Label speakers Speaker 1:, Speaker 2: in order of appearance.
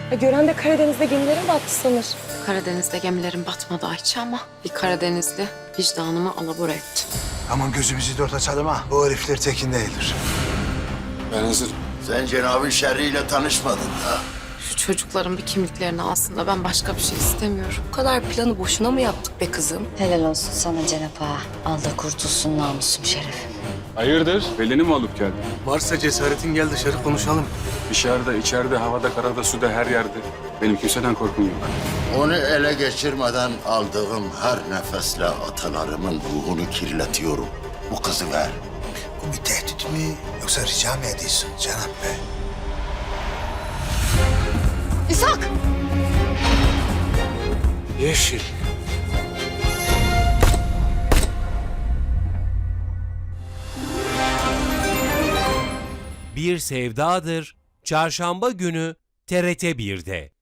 Speaker 1: Gören de Karadeniz'de gemilerin battı sanır.
Speaker 2: Karadeniz'de gemilerin batmadı Ayça ama bir Karadenizli vicdanımı alabora etti.
Speaker 3: Aman gözümüzü dört açalım ha. Bu herifler tekin değildir.
Speaker 4: Ben hazırım.
Speaker 5: Sen Cenab-ı Şerri'yle tanışmadın da.
Speaker 2: Şu çocukların bir kimliklerini alsın da ben başka bir şey istemiyorum.
Speaker 1: Bu kadar planı boşuna mı yaptık be kızım?
Speaker 6: Helal olsun sana Cenap Ağa. Al da kurtulsun namusum şerefim.
Speaker 4: Hayırdır? Belini mi alıp geldin?
Speaker 7: Varsa cesaretin gel dışarı konuşalım.
Speaker 4: Dışarıda, içeride, havada, karada, suda, her yerde. Benim kimseden korkum yok.
Speaker 5: Onu ele geçirmeden aldığım her nefesle atalarımın ruhunu kirletiyorum. Bu kızı ver.
Speaker 3: Bu bir tehdit mi yoksa rica mı ediyorsun Cenab Bey?
Speaker 2: İshak!
Speaker 7: Yeşil.
Speaker 8: Bir Sevdadır Çarşamba günü TRT 1'de.